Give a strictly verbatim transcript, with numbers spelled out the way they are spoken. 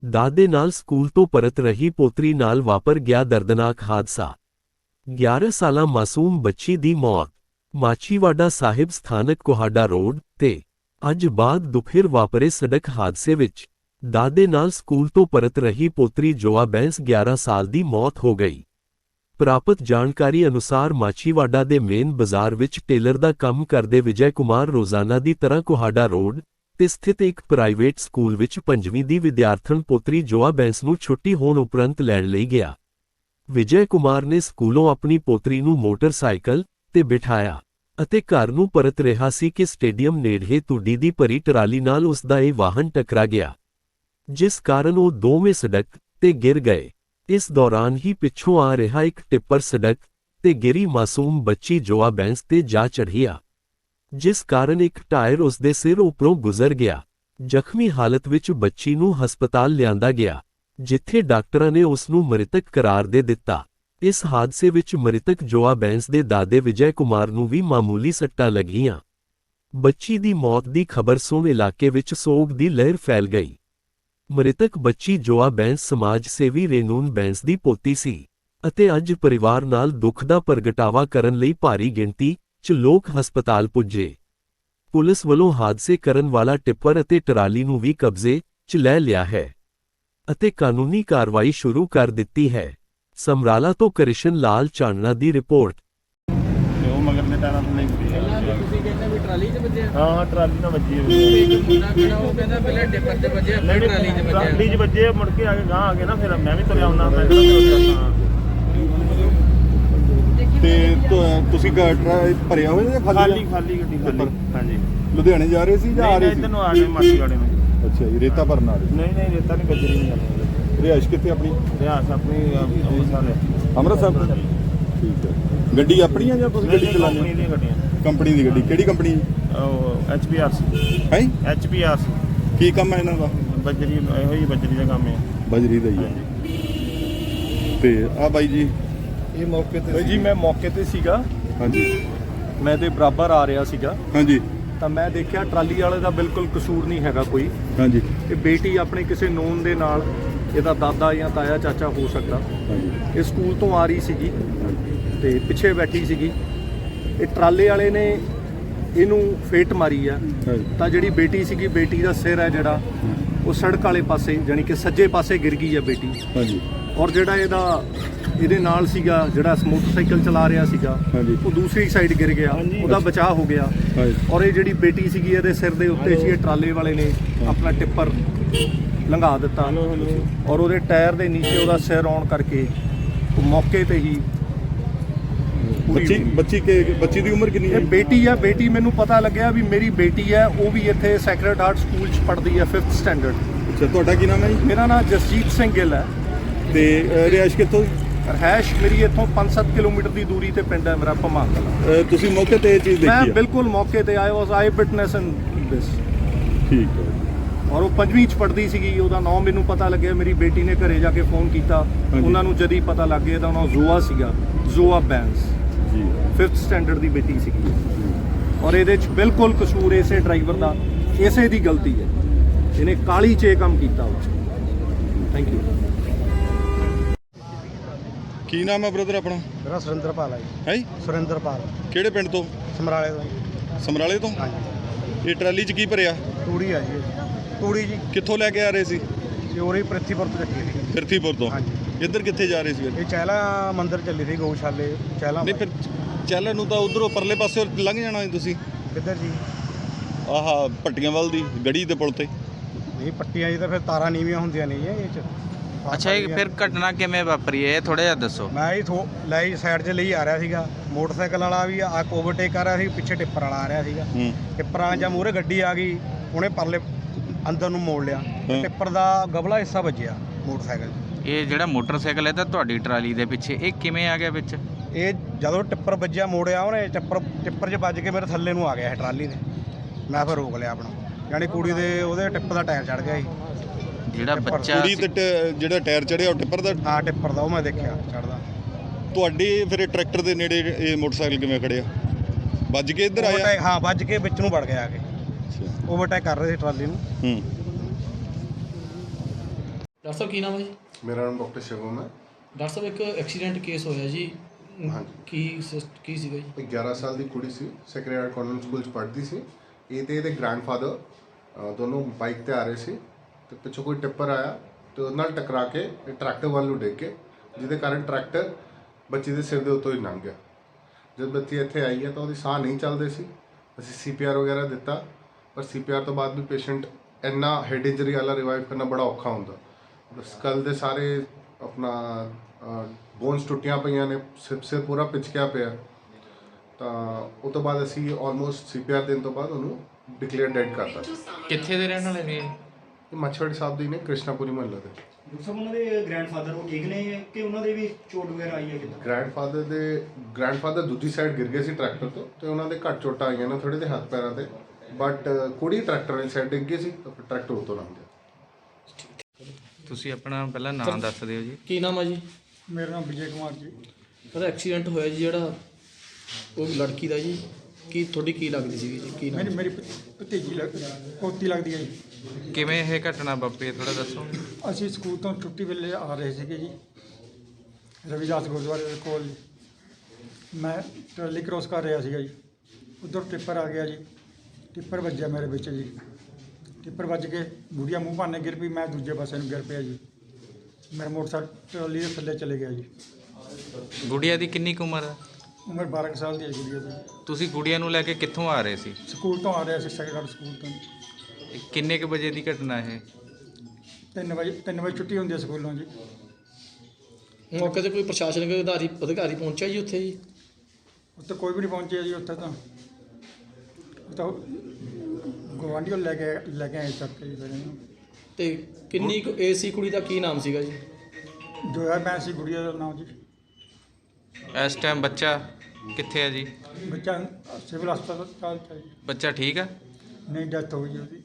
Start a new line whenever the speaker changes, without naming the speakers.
ਦਾਦੇ ਨਾਲ ਸਕੂਲ ਤੋਂ ਪਰਤ ਰਹੀ ਪੋਤਰੀ ਨਾਲ ਵਾਪਰ ਗਿਆ ਦਰਦਨਾਕ ਹਾਦਸਾ। ਗਿਆਰਾਂ ਸਾਲਾ ਮਾਸੂਮ ਬੱਚੀ ਦੀ ਮੌਤ। ਮਾਛੀਵਾੜਾ ਸਾਹਿਬ ਸਥਾਨਕ ਕੋਹਾੜਾ ਰੋਡ ਤੇ ਅੱਜ ਬਾਅਦ ਦੁਪਹਿਰ ਵਾਪਰੇ ਸੜਕ ਹਾਦਸੇ ਵਿੱਚ ਦਾਦੇ ਨਾਲ ਸਕੂਲ ਤੋਂ ਪਰਤ ਰਹੀ ਪੋਤਰੀ ਜੋਆ ਬੈਂਸ ਗਿਆਰਾਂ ਸਾਲ ਦੀ ਮੌਤ ਹੋ ਗਈ। ਪ੍ਰਾਪਤ ਜਾਣਕਾਰੀ ਅਨੁਸਾਰ ਮਾਛੀਵਾੜਾ ਦੇ ਮੇਨ ਬਾਜ਼ਾਰ ਵਿੱਚ ਟੇਲਰ ਦਾ ਕੰਮ ਕਰਦੇ ਵਿਜੇ ਕੁਮਾਰ ਰੋਜ਼ਾਨਾ ਦੀ ਤਰ੍ਹਾਂ ਕੋਹਾੜਾ ਰੋਡ ਤੇ ਸਥਿਤ ਇੱਕ ਪ੍ਰਾਈਵੇਟ ਸਕੂਲ ਵਿੱਚ ਪੰਜਵੀਂ ਦੀ ਵਿਦਿਆਰਥਣ ਪੋਤਰੀ ਜੋਆ ਬੈਂਸ ਨੂੰ ਛੁੱਟੀ ਹੋਣ ਉਪਰੰਤ ਲੈਣ ਲਈ ਗਿਆ। ਵਿਜੇ ਕੁਮਾਰ ਨੇ ਸਕੂਲੋਂ ਆਪਣੀ ਪੋਤਰੀ ਨੂੰ ਮੋਟਰਸਾਈਕਲ ਤੇ ਬਿਠਾਇਆ ਅਤੇ ਘਰ ਨੂੰ ਪਰਤ ਰਿਹਾ ਸੀ ਕਿ ਸਟੇਡੀਅਮ ਨੇੜੇ ਤੁੱਡੀ ਦੀ ਭਰੀ ਟਰਾਲੀ ਨਾਲ ਉਸ ਦਾ ਇਹ ਵਾਹਨ ਟਕਰਾ ਗਿਆ, ਜਿਸ ਕਾਰਨ ਉਹ ਦੋਵੇਂ ਸੜਕ ਤੇ ਗਿਰ ਗਏ। ਇਸ ਦੌਰਾਨ ਹੀ ਪਿੱਛੋਂ ਆ ਰਿਹਾ ਇੱਕ ਟਿੱਪਰ ਸੜਕ ਤੇ ਗਿਰੀ ਮਾਸੂਮ ਬੱਚੀ ਜੋਆ ਬੈਂਸ ਤੇ ਜਾ ਚੜ੍ਹਿਆ, ਜਿਸ ਕਾਰਨ ਇੱਕ ਟਾਇਰ ਉਸ ਦੇ ਸਿਰ ਉੱਪਰੋਂ ਗੁਜ਼ਰ ਗਿਆ। ਜ਼ਖਮੀ ਹਾਲਤ ਵਿੱਚ ਬੱਚੀ ਨੂੰ ਹਸਪਤਾਲ ਲਿਆਂਦਾ ਗਿਆ, ਜਿੱਥੇ ਡਾਕਟਰਾਂ ਨੇ ਉਸ ਨੂੰ ਮ੍ਰਿਤਕ ਕਰਾਰ ਦੇ ਦਿੱਤਾ। ਇਸ ਹਾਦਸੇ ਵਿੱਚ ਮ੍ਰਿਤਕ ਜੋਆ ਬੈਂਸ ਦੇ ਦਾਦੇ ਵਿਜੇ ਕੁਮਾਰ ਨੂੰ ਵੀ ਮਾਮੂਲੀ ਸੱਟਾਂ ਲੱਗੀਆਂ। ਬੱਚੀ ਦੀ ਮੌਤ ਦੀ ਖਬਰ ਸੁਣ ਇਲਾਕੇ ਵਿੱਚ ਸੋਗ ਦੀ ਲਹਿਰ ਫੈਲ ਗਈ। ਮ੍ਰਿਤਕ ਬੱਚੀ ਜੋਆ ਬੈਂਸ ਸਮਾਜ ਸੇਵੀ ਰੇਨੂਨ ਬੈਂਸ ਦੀ ਪੋਤੀ ਸੀ ਅਤੇ ਅੱਜ ਪਰਿਵਾਰ ਨਾਲ ਦੁੱਖ ਦਾ ਪ੍ਰਗਟਾਵਾ ਕਰਨ ਲਈ ਭਾਰੀ ਗਿਣਤੀ 'ਚ ਲੋਕ ਹਸਪਤਾਲ ਪੁੱਜੇ। ਪੁਲਿਸ ਵੱਲੋਂ ਹਾਦਸੇ ਕਰਨ ਵਾਲਾ ਟਿੱਪਰ ਅਤੇ ਟਰਾਲੀ ਨੂੰ ਵੀ ਕਬਜ਼ੇ 'ਚ ਲੈ ਲਿਆ ਹੈ ਅਤੇ ਕਾਨੂੰਨੀ ਕਾਰਵਾਈ ਸ਼ੁਰੂ ਕਰ ਦਿੱਤੀ ਹੈ। ਸਮਰਾਲਾ ਤੋਂ ਕ੍ਰਿਸ਼ਨ ਲਾਲ ਚਾਨਣਾ ਦੀ ਰਿਪੋਰਟ।
ਉਹ ਮਗਰ ਦੇ ਟਾਇਰਾਂ ਤੋਂ ਨਹੀਂ
ਪਹਿਲਾਂ ਵੀ ਤੁਸੀਂ ਕਹਿੰਦੇ ਵੀ ਟਰਾਲੀ 'ਚ ਵੱਜਿਆ?
ਹਾਂ ਹਾਂ ਟਰਾਲੀ ਨਾਲ ਵੱਜੀ ਹੈ।
ਇੱਕ ਮੁੰਡਾ ਕਿਹੜਾ ਉਹ ਕਹਿੰਦਾ ਪਹਿਲਾਂ ਡਿੱਪਰ 'ਚ ਵੱਜਿਆ ਫਿਰ ਟਰਾਲੀ 'ਚ ਵੱਜਿਆ।
ਟਰਾਲੀ 'ਚ ਵੱਜੇ ਮੁੜ ਕੇ ਆ ਕੇ ਗਾਂ ਆ ਗਏ ਨਾ, ਫਿਰ ਮੈਂ ਵੀ ਤੁਰਿਆ ਆਉਣਾ, ਮੈਂ ਕਿਹੜਾ ਹਾਂ।
ਤੇ ਤੁ- ਤੁਸੀਂ ਗੱਡੀ ਭਰਿਆ ਹੋਇਆ ਜਾਂ
ਖਾਲੀ ਖਾਲੀ ਗੱਡੀ ਖਾਲੀ? ਹਾਂਜੀ,
ਲੁਧਿਆਣੇ ਜਾ ਰਹੇ ਸੀ ਜਾਂ ਆ ਰਹੇ ਸੀ?
ਇੱਧਰ ਨੂੰ ਆ ਗਏ ਮਾਛੀਵਾੜੇ ਨੂੰ।
ਅੱਛਾ ਜੀ, ਰੇਤਾ ਭਰਨ ਆ ਰਹੇ?
ਨਹੀਂ ਨਹੀਂ ਰੇਤਾ ਨਹੀਂ, ਗੱਜਰੀ ਨਹੀਂ ਜਾਂਦੀ।
ਰਿਹਾਇਸ਼ ਕਿੱਥੇ ਆਪਣੀ?
ਰਿਆਸ ਆਪਣੀ ਅੰਮ੍ਰਿਤਸਰ ਹੈ।
ਅੰਮ੍ਰਿਤਸਰ। ਠੀਕ ਹੈ। ਗੱਡੀ ਆਪਣੀ ਆ ਜਾਂ ਤੁਸੀਂ ਗੱਡੀ ਚਲਾਉਂਦੇ
ਕੰਪਨੀ ਦੀਆਂ ਗੱਡੀਆਂ?
ਕੰਪਨੀ ਦੀ ਗੱਡੀ। ਕਿਹੜੀ ਕੰਪਨੀ?
ਉਹ ਐਚ ਪੀ ਆਰ ਸੀ
ਹੈ।
H P R C.
ਕੀ ਕੰਮ ਹੈ ਇਹਨਾਂ ਦਾ?
ਬੱਜਰੀ, ਇਹੋ ਹੀ ਬੱਜਰੀ ਦਾ ਕੰਮ ਹੈ।
ਬਜਰੀ ਦਾ ਹੀ ਹੈ। ਤੇ ਆ ਬਾਈ ਜੀ
ਇਹ ਮੌਕੇ ਤੇ ਜੀ ਮੈਂ ਮੌਕੇ ਤੇ ਸੀਗਾ।
ਹਾਂਜੀ
ਮੈਂ ਤੇ ਬਰਾਬਰ ਆ ਰਿਹਾ ਸੀਗਾ
ਹਾਂਜੀ
ਤਾਂ ਮੈਂ ਦੇਖਿਆ ਟਰਾਲੀ ਵਾਲੇ ਦਾ ਬਿਲਕੁਲ ਕਸੂਰ ਨਹੀਂ ਹੈਗਾ ਕੋਈ।
ਹਾਂਜੀ
ਇਹ ਬੇਟੀ ਆਪਣੇ ਕਿਸੇ ਨੋਨ ਦੇ ਨਾਲ, ਇਹਦਾ ਦਾਦਾ ਜਾਂ ਤਾਇਆ ਚਾਚਾ ਹੋ ਸਕਦਾ,
ਹਾਂਜੀ
ਇਹ ਸਕੂਲ ਤੋਂ ਆ ਰਹੀ ਸੀਗੀ ਤੇ ਪਿੱਛੇ ਬੈਠੀ ਸੀਗੀ। ਇਹ ਟਰਾਲੇ ਵਾਲੇ ਨੇ ਇਹਨੂੰ ਫੇਟ ਮਾਰੀ ਆ
ਹਾਂਜੀ
ਤਾਂ ਜਿਹੜੀ ਬੇਟੀ ਸੀਗੀ, ਬੇਟੀ ਦਾ ਸਿਰ ਹੈ ਜਿਹੜਾ ਉਹ ਸੜਕ ਵਾਲੇ ਪਾਸੇ ਜਾਣੀ ਕਿ ਸੱਜੇ ਪਾਸੇ ਗਿਰ ਗਈ ਆ ਬੇਟੀ।
ਹਾਂਜੀ
ਔਰ ਜਿਹੜਾ ਇਹਦਾ ਇਹਦੇ ਨਾਲ ਸੀਗਾ ਜਿਹੜਾ ਮੋਟਰਸਾਈਕਲ ਚਲਾ ਰਿਹਾ ਸੀਗਾ,
ਹਾਂਜੀ
ਉਹ ਦੂਸਰੀ ਸਾਈਡ ਗਿਰ ਗਿਆ, ਉਹਦਾ ਬਚਾਅ ਹੋ ਗਿਆ।
ਹਾਂਜੀ
ਔਰ ਇਹ ਜਿਹੜੀ ਬੇਟੀ ਸੀਗੀ ਇਹਦੇ ਸਿਰ ਦੇ ਉੱਤੇ ਸੀ, ਇਹ ਟਰਾਲੇ ਵਾਲੇ ਨੇ ਆਪਣਾ ਟਿੱਪਰ ਲੰਘਾ ਦਿੱਤਾ ਔਰ ਉਹਦੇ ਟਾਇਰ ਦੇ ਨੀਚੇ ਉਹਦਾ ਸਿਰ ਆਉਣ ਕਰਕੇ ਉਹ ਮੌਕੇ ਤੇ ਹੀ ਪੂਰੀ
ਬੱਚੀ ਬੱਚੀ ਕੇ ਬੱਚੀ ਦੀ ਉਮਰ ਕਿੰਨੀ ਹੈ?
ਇਹ ਬੇਟੀ ਆ। ਬੇਟੀ ਮੈਨੂੰ ਪਤਾ ਲੱਗਿਆ ਵੀ ਮੇਰੀ ਬੇਟੀ ਹੈ, ਉਹ ਵੀ ਇੱਥੇ ਸੈਕਰਡ ਹਾਰਟ ਸਕੂਲ 'ਚ ਪੜ੍ਹਦੀ ਹੈ, ਫਿਫਥ ਸਟੈਂਡਰਡ।
ਅੱਛਾ, ਤੁਹਾਡਾ ਕੀ ਨਾਮ ਹੈ ਜੀ?
ਮੇਰਾ ਨਾਮ ਜਸਜੀਤ ਸਿੰਘ ਗਿੱਲ ਹੈ
ਤੇ ਅ, ਰਿਹਾਇਸ਼ ਕਿੱਥੋਂ?
ਰਹਿਸ਼ ਮੇਰੀ ਇੱਥੋਂ ਪੰਜ ਸੱਤ ਕਿਲੋਮੀਟਰ ਦੀ ਦੂਰੀ ਤੇ ਪਿੰਡ ਹੈ ਮੇਰਾ ਭਮਾਂ ਕਲਾਂ।
ਅ, ਤੁਸੀਂ ਮੌਕੇ ਤੇ ਇਹ ਚੀਜ਼
ਮੈਂ
ਦੇਖੀ ਹੈ?
ਬਿਲਕੁਲ ਮੌਕੇ ਤੇ ਆਇਆ, ਵਾਸ ਆਈ ਵਿਟਨੈਸ ਇਨ ਦਿਸ।
ਠੀਕ ਹੈ।
ਔਰ ਉਹ ਪੰਜਵੀਂ ਚ ਪੜ੍ਹਦੀ ਸੀਗੀ। ਉਹਦਾ ਨਾਮ ਮੈਨੂੰ ਪਤਾ ਲੱਗਿਆ, ਮੇਰੀ ਬੇਟੀ ਨੇ ਘਰੇ ਜਾ ਕੇ ਫੋਨ ਕੀਤਾ, ਉਹਨਾਂ ਨੂੰ ਜਦ ਹੀ ਪਤਾ ਲੱਗ ਗਿਆ ਤਾਂ ਨਾਮ ਜ਼ੋਆ ਸੀਗਾ, ਜ਼ੋਆ ਬੈਂਸ
ਜੀ
ਫਿਫਥ ਸਟੈਂਡਰਡ ਦੀ ਬੇਟੀ ਸੀਗੀ। ਔਰ ਇਹਦੇ ਚ ਬਿਲਕੁਲ ਕਸੂਰ ਇਸੇ ਡਰਾਈਵਰ ਦਾ, ਇਸੇ ਦੀ ਗਲਤੀ ਹੈ। ਇਹਨੇ ਕਾਲੀ 'ਚ ਇਹ ਕੰਮ ਕੀਤਾ। ਉਹ 'ਚ ਥੈਂਕ ਯੂ।
ਕੀ ਨਾਮ ਹੈ ਬ੍ਰਦਰ ਆਪਣਾ?
ਮੇਰਾ ਸੁਰਿੰਦਰਪਾਲ ਹੈ ਜੀ।
ਹੈ ਜੀ?
ਸੁਰਿੰਦਰਪਾਲ
ਕਿਹੜੇ ਪਿੰਡ ਤੋਂ?
ਸਮਰਾਲੇ ਤੋਂ।
ਸਮਰਾਲੇ ਤੋਂ?
ਹਾਂਜੀ,
ਇਹ ਟਰਾਲੀ 'ਚ ਕੀ ਭਰਿਆ?
ਤੂੜੀ ਆ ਜੀ। ਤੂੜੀ ਜੀ
ਕਿੱਥੋਂ ਲੈ ਕੇ ਆ ਰਹੇ ਸੀ?
ਚੋਰੀ ਪ੍ਰਿਥੀਪੁਰ ਤੋਂ ਚੱਕੀ ਸੀ।
ਫਿਰਥੀਪੁਰ ਤੋਂ?
ਹਾਂਜੀ।
ਇੱਧਰ ਕਿੱਥੇ ਜਾ ਰਹੇ ਸੀ ਫਿਰ?
ਇਹ ਚਹਿਲਾ ਮੰਦਿਰ ਚੱਲੀ ਸੀ, ਗਊਸ਼ਾਲੇ ਚਹਿਲਾ।
ਨਹੀਂ ਫਿਰ ਚੱਲਣ ਨੂੰ ਤਾਂ ਉਧਰੋਂ ਪਰਲੇ ਪਾਸੇ ਲੰਘ ਜਾਣਾ ਸੀ ਤੁਸੀਂ।
ਕਿੱਧਰ ਜੀ?
ਆਹ ਭੱਟੀਆਂ ਵੱਲ ਦੀ ਗੜੀ ਦੇ ਪੁਲ ਤੇ।
ਨਹੀਂ, ਪੱਟੀਆਂ ਜੀ ਤਾਂ ਫਿਰ ਤਾਰਾਂ ਨੀਵੀਆਂ ਹੁੰਦੀਆਂ ਨਹੀਂ ਇਹ 'ਚ।
ਅੱਛਾ, ਇਹ ਫਿਰ ਘਟਨਾ ਕਿਵੇਂ ਵਾਪਰੀ ਹੈ, ਇਹ ਥੋੜਾ ਜਿਹਾ ਦੱਸੋ।
ਮੈਂ ਹੀ ਥੋ ਲਈ ਸਾਈਡ 'ਚ ਲਈ ਆ ਰਿਹਾ ਸੀਗਾ, ਮੋਟਰਸਾਈਕਲ ਵਾਲਾ ਵੀ ਆ ਓਵਰਟੇਕ ਕਰ ਰਿਹਾ ਸੀ, ਪਿੱਛੇ ਟਿੱਪਰ ਵਾਲਾ ਆ ਰਿਹਾ ਸੀਗਾ।
ਹੂੰ
ਟਿੱਪਰਾਂ ਜਾਂ ਮੂਹਰੇ ਗੱਡੀ ਆ ਗਈ, ਉਹਨੇ ਪਰਲੇ ਅੰਦਰ ਨੂੰ ਮੋੜ ਲਿਆ, ਟਿੱਪਰ ਦਾ ਗਬਲਾ ਹਿੱਸਾ ਵੱਜਿਆ ਮੋਟਰਸਾਈਕਲ 'ਚ।
ਇਹ ਜਿਹੜਾ ਮੋਟਰਸਾਈਕਲ ਹੈ ਤਾਂ ਤੁਹਾਡੀ ਟਰਾਲੀ ਦੇ ਪਿੱਛੇ, ਇਹ ਕਿਵੇਂ ਆ ਗਿਆ ਵਿੱਚ?
ਇਹ ਜਦੋਂ ਟਿੱਪਰ ਵੱਜਿਆ, ਮੋੜਿਆ ਉਹਨੇ, ਟਿੱਪਰ ਟਿੱਪਰ 'ਚ ਵੱਜ ਕੇ ਮੇਰੇ ਥੱਲੇ ਨੂੰ ਆ ਗਿਆ ਇਹ ਟਰਾਲੀ ਨੇ। ਮੈਂ ਫਿਰ ਰੋਕ ਲਿਆ ਆਪਣਾ, ਯਾਨੀ ਕੁੜੀ ਦੇ ਉਹਦੇ ਟਿੱਪ ਦਾ ਟਾਇਰ ਚੜ ਗਿਆ ਸੀ।
ਜਿਹੜਾ ਬੱਚਾ
ਕੁੜੀ ਤੇ ਟ- ਜਿਹੜਾ ਟਾਇਰ ਚੜਿਆ ਉਹ ਟਿੱਪਰ ਦਾ?
ਹਾਂ, ਟਿੱਪਰ ਦਾ, ਉਹ ਮੈਂ ਦੇਖਿਆ ਚੜਦਾ।
ਤੁਹਾਡੇ ਫਿਰ ਇਹ ਟਰੈਕਟਰ ਦੇ ਨੇੜੇ ਇਹ ਮੋਟਰਸਾਈਕਲ ਕਿਵੇਂ ਖੜਿਆ? ਵੱਜ ਕੇ ਇੱਧਰ ਆਇਆ?
ਓਵਰਟੇਕ, ਹਾਂ, ਵੱਜ ਕੇ ਵਿੱਚ ਨੂੰ ਵੜ ਗਿਆ ਆ ਕੇ। ਓਵਰਟੇਕ ਕਰ ਰਹੇ ਸੀ ਟਰਾਲੀ ਨੂੰ।
ਹੂੰ
ਡਾਕਟਰ ਸਾਹਿਬ ਕੀ ਨਾਮ ਹੈ ਜੀ?
ਮੇਰਾ ਨਾਮ ਡਾਕਟਰ ਸ਼ਿਵਮ ਹੈ।
ਡਾਕਟਰ ਸਾਹਿਬ ਇੱਕ ਐਕਸੀਡੈਂਟ ਕੇਸ ਹੋਇਆ ਜੀ।
ਹਾਂਜੀ।
ਕੀ ਸਿਸ- ਕੀ ਸੀਗਾ ਜੀ?
ਇੱਕ ਗਿਆਰਾਂ ਸਾਲ ਦੀ ਕੁੜੀ ਸੀ, ਸੈਕਰਡ ਹਾਰਟ ਕਨਵੈਂਟ ਸਕੂਲ 'ਚ ਪੜ੍ਹਦੀ ਸੀ। ਇਹ ਤੇ ਇਹਦੇ ਗ੍ਰੈਂਡਫਾਦਰ ਦੋਨੋਂ ਬਾਈਕ ਤੇ ਆ ਰਹੇ ਸੀ ਤੇ ਪਿੱਛੋਂ ਕੋਈ ਟਿੱਪਰ ਆਇਆ ਤੇ ਉਹਦੇ ਨਾਲ ਟਕਰਾ ਕੇ ਇਹ ਟਰੈਕਟਰ ਵੱਲ ਨੂੰ ਡਿੱਗ ਕੇ, ਜਿਹਦੇ ਕਾਰਨ ਟਰੈਕਟਰ ਬੱਚੀ ਦੇ ਸਿਰ ਦੇ ਉੱਤੋਂ ਹੀ ਲੰਘ ਗਿਆ। ਜਦ ਬੱਚੀ ਇੱਥੇ ਆਈ ਹੈ ਤਾਂ ਉਹਦੀ ਸਾਹ ਨਹੀਂ ਚੱਲਦੇ ਸੀ। ਅਸੀਂ ਸੀ ਪੀ ਆਰ ਵਗੈਰਾ ਦਿੱਤਾ, ਪਰ ਸੀ ਪੀ ਆਰ ਤੋਂ ਬਾਅਦ ਵੀ ਪੇਸ਼ੈਂਟ ਇੰਨਾ ਹੈਡ ਇੰਜਰੀ ਵਾਲਾ ਰਿਵਾਈਵ ਕਰਨਾ ਬੜਾ ਔਖਾ ਹੁੰਦਾ। ਸਕਲ ਦੇ ਸਾਰੇ ਆਪਣਾ ਬੋਨਸ ਟੁੱਟੀਆਂ ਪਈਆਂ ਨੇ, ਸਿਰ ਸਿਰ ਪੂਰਾ ਪਿਚਕਿਆ ਪਿਆ। ਤਾਂ ਉਹ ਤੋਂ ਬਾਅਦ ਅਸੀਂ ਆਲਮੋਸਟ ਸੀ ਪੀ ਆਰ ਦੇਣ ਤੋਂ ਬਾਅਦ ਉਹਨੂੰ ਡਿਕਲੇਅਰ ਡੈਡ ਕਰਤਾ।
ਕਿੱਥੇ ਦੇ ਰਹਿਣ ਵਾਲੇ ਨੇ?
ਇਹ ਮੱਛਵਾੜੀ ਸਾਹਿਬ ਦੀ ਨੇ, ਕ੍ਰਿਸ਼ਨਾਪੁਰੀ ਮਹੱਲੇ ਦੇ।
ਡਾਕਟਰ ਸਾਹਿਬ ਉਹਨਾਂ ਦੇ ਗ੍ਰੈਂਡਫਾਦਰ ਉਹ ਠੀਕ ਨੇ ਕਿ ਉਹਨਾਂ ਦੇ ਵੀ ਚੋਟ ਵਗੈਰਾ ਆਈ ਹੈ ਕਿੱਦਾਂ?
ਗ੍ਰੈਂਡਫਾਦਰ ਦੇ ਗ੍ਰੈਂਡਫਾਦਰ ਦੂਜੀ ਸਾਈਡ ਗਿਰ ਗਏ ਸੀ ਟਰੈਕਟਰ ਤੋਂ ਤੇ ਉਹਨਾਂ ਦੇ ਘੱਟ ਚੋਟਾਂ ਆਈਆਂ ਨੇ ਥੋੜੇ ਦੇ ਹੱਥ ਪੈਰਾਂ ਤੇ, ਬਟ ਕੁੜੀ ਟਰੈਕਟਰ ਵਾਲੀ ਸਾਈਡ ਡਿੱਗ ਗਈ ਸੀ ਤਾਂ ਫਿਰ ਟਰੈਕਟਰ ਉੱਤੋਂ ਲੰਘ ਗਿਆ।
ਤੁਸੀਂ ਆਪਣਾ ਪਹਿਲਾਂ ਨਾਮ ਦੱਸ ਦਿਓ ਜੀ।
ਕੀ ਨਾਮ ਹੈ ਜੀ?
ਮੇਰਾ ਨਾਮ ਵਿਜੇ ਕੁਮਾਰ ਜੀ।
ਉਹਦਾ ਐਕਸੀਡੈਂਟ ਹੋਇਆ ਜੀ ਜਿਹੜਾ, ਉਹ ਲੜਕੀ ਦਾ ਜੀ, ਕੀ ਤੁਹਾਡੀ ਕੀ ਲੱਗਦੀ ਸੀਗੀ ਜੀ? ਕੀ ਨਾਮ?
ਮੇਰੀ ਮੇਰੀ ਭ- ਭਤੀਜੀ ਲੱਗ ਪੋਤੀ ਲੱਗਦੀ ਹੈ ਜੀ।
ਕਿਵੇਂ ਇਹ ਘਟਨਾ ਵਾਪਰੀ ਹੈ ਥੋੜਾ ਦੱਸੋ।
ਅਸੀਂ ਸਕੂਲ ਤੋਂ ਛੁੱਟੀ ਵੇਲੇ ਆ ਰਹੇ ਸੀਗੇ ਜੀ, ਰਵਿਦਾਸ ਗੁਰਦੁਆਰੇ ਦੇ ਕੋਲ ਜੀ। ਮੈਂ ਟਰਾਲੀ ਕ੍ਰੋਸ ਕਰ ਰਿਹਾ ਸੀਗਾ ਜੀ, ਉੱਧਰ ਟਿੱਪਰ ਆ ਗਿਆ ਜੀ। ਟਿੱਪਰ ਵੱਜਿਆ ਮੇਰੇ ਵਿੱਚ ਜੀ। ਟਿੱਪਰ ਵੱਜ ਕੇ ਬੁੜੀਆ ਮੂੰਹ ਭਾਨੇ ਗਿਰ ਪਈ, ਮੈਂ ਦੂਜੇ ਪਾਸੇ ਨੂੰ ਗਿਰ ਪਿਆ ਜੀ। ਮੇਰਾ ਮੋਟਰਸਾਈਕਲ ਟਰਾਲੀ ਦੇ ਥੱਲੇ ਚਲੇ ਗਿਆ ਜੀ।
ਗੁੜੀਆ ਦੀ ਕਿੰਨੀ ਕੁ ਉਮਰ ਹੈ?
ਉਮਰ ਬਾਰਾਂ ਕੁ ਸਾਲ ਦੀ ਹੈ ਗੁੜੀਆ ਦੀ।
ਤੁਸੀਂ ਗੁੜੀਆ ਨੂੰ ਲੈ ਕੇ ਕਿੱਥੋਂ ਆ ਰਹੇ ਸੀ?
ਸਕੂਲ ਤੋਂ ਆ ਰਿਹਾ ਸੀ, ਸੈਕੰਡ ਸਕੂਲ ਤੋਂ।
ਇਹ ਕਿੰਨੇ ਕੁ ਵਜੇ ਦੀ ਘਟਨਾ ਇਹ?
ਤਿੰਨ ਵਜੇ ਤਿੰਨ ਵਜੇ ਛੁੱਟੀ ਹੁੰਦੀ ਹੈ ਸਕੂਲੋਂ ਜੀ।
ਮੌਕੇ ਤੇ ਕੋਈ ਪ੍ਰਸ਼ਾਸਨਿਕ ਅਧਿਕਾਰੀ ਅਧਿਕਾਰੀ ਪਹੁੰਚਿਆ ਜੀ ਉੱਥੇ ਜੀ?
ਉੱਥੇ ਕੋਈ ਵੀ ਨਹੀਂ ਪਹੁੰਚਿਆ ਜੀ। ਉੱਥੇ ਤਾਂ ਉਹ ਤਾਂ ਗੁਆਂਢੀਓ ਲੈ ਕੇ ਲੈ ਕੇ ਆਏ ਚੱਕ ਕੇ ਜੀ ਫਿਰ ਇਹਨੂੰ।
ਤੇ ਕਿੰਨੀ ਕੁ ਏਜ ਸੀ ਕੁੜੀ ਦਾ? ਕੀ ਨਾਮ ਸੀਗਾ ਜੀ?
ਜੋਇਆ ਮੈਂ ਸੀ ਗੁੜੀਆ ਦਾ ਨਾਮ ਜੀ।
ਇਸ ਟਾਈਮ ਬੱਚਾ ਕਿੱਥੇ ਹੈ ਜੀ?
ਬੱਚਾ ਸਿਵਲ ਹਸਪਤਾਲ ਚ ਹੈ ਜੀ।
ਬੱਚਾ ਠੀਕ ਆ?
ਨਹੀਂ, ਡੈਥ ਹੋ ਗਈ ਉਹਦੀ।